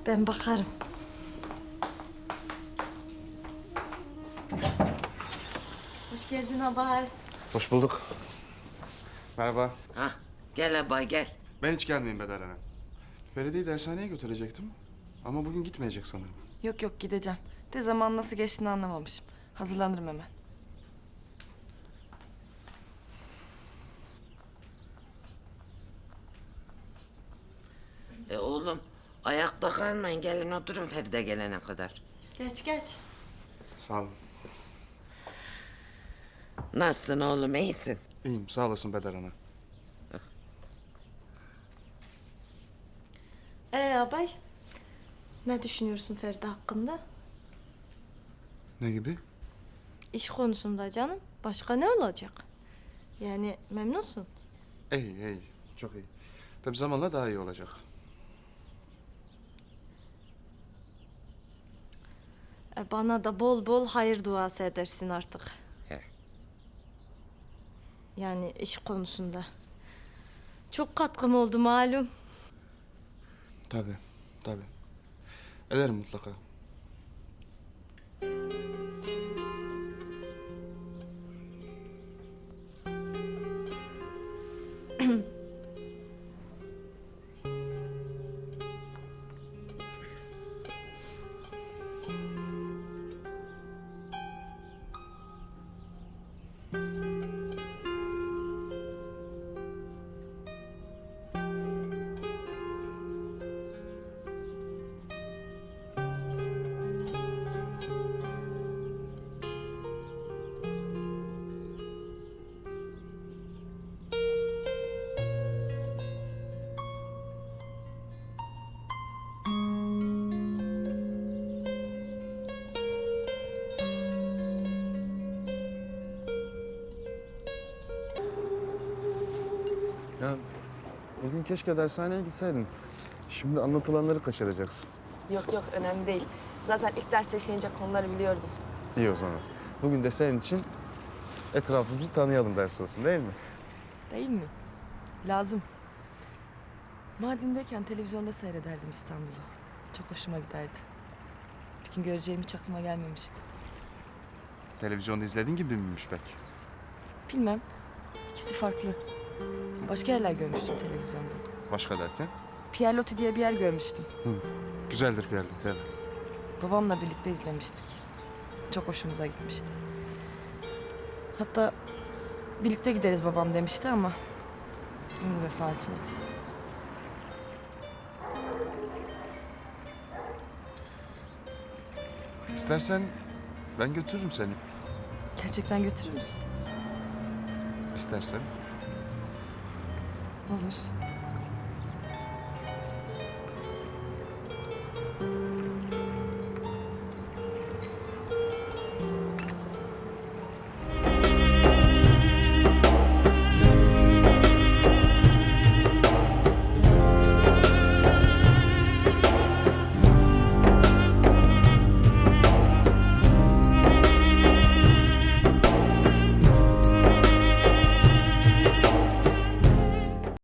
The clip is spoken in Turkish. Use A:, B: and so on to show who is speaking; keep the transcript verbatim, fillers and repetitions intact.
A: Ben bakarım. Hoş geldin abay.
B: Hoş bulduk. Merhaba.
C: Hah, gel abay gel.
B: Ben hiç gelmeyeyim Bedar Hanım. Feride'yi dershaneye götürecektim. Ama bugün gitmeyecek sanırım.
D: Yok yok gideceğim. De zaman nasıl geçtiğini anlamamışım. Hazırlanırım hemen.
C: E oğlum, ayakta kalmayın. Gelin oturun Feride gelene kadar.
A: Geç geç.
B: Sağ olun.
C: Nasılsın oğlum, iyisin?
B: İyiyim, sağ olasın Bedar Hanım.
A: Ee abay, ne düşünüyorsun Feride hakkında?
B: Ne gibi?
A: İş konusunda canım. Başka ne olacak? Yani memnunsun.
B: İyi, iyi. Çok iyi. Tabii zamanla daha iyi olacak.
A: E, bana da bol bol hayır duası edersin artık.
C: He.
A: Yani iş konusunda. Çok katkım oldu malum.
B: Tabii, tabii. Ederim mutlaka. Ya bugün keşke dershaneye gitseydin. Şimdi anlatılanları kaçıracaksın.
D: Yok yok önemli değil. Zaten ilk ders işlenecek konuları biliyordum.
B: İyi o zaman. Bugün de senin için etrafımızı tanıyalım ders olsun değil mi?
D: Değil mi? Lazım. Mardin'deyken televizyonda seyrederdim İstanbul'u. Çok hoşuma giderdi. Bir gün göreceğim hiç aklıma gelmemişti.
B: Televizyonda izlediğin gibi miymiş pek?
D: Bilmem. İkisi farklı. Başka yerler görmüştüm televizyonda.
B: Başka derken?
D: Pierre Loti diye bir yer görmüştüm.
B: Hı. Güzeldir Fiyerlik, evet.
D: Babamla birlikte izlemiştik. Çok hoşumuza gitmişti. Hatta birlikte gideriz babam demişti ama ömrü vefat etmedi.
B: İstersen ben götürürüm seni.
D: Gerçekten götürür müsün?
B: İstersen.
D: Olur.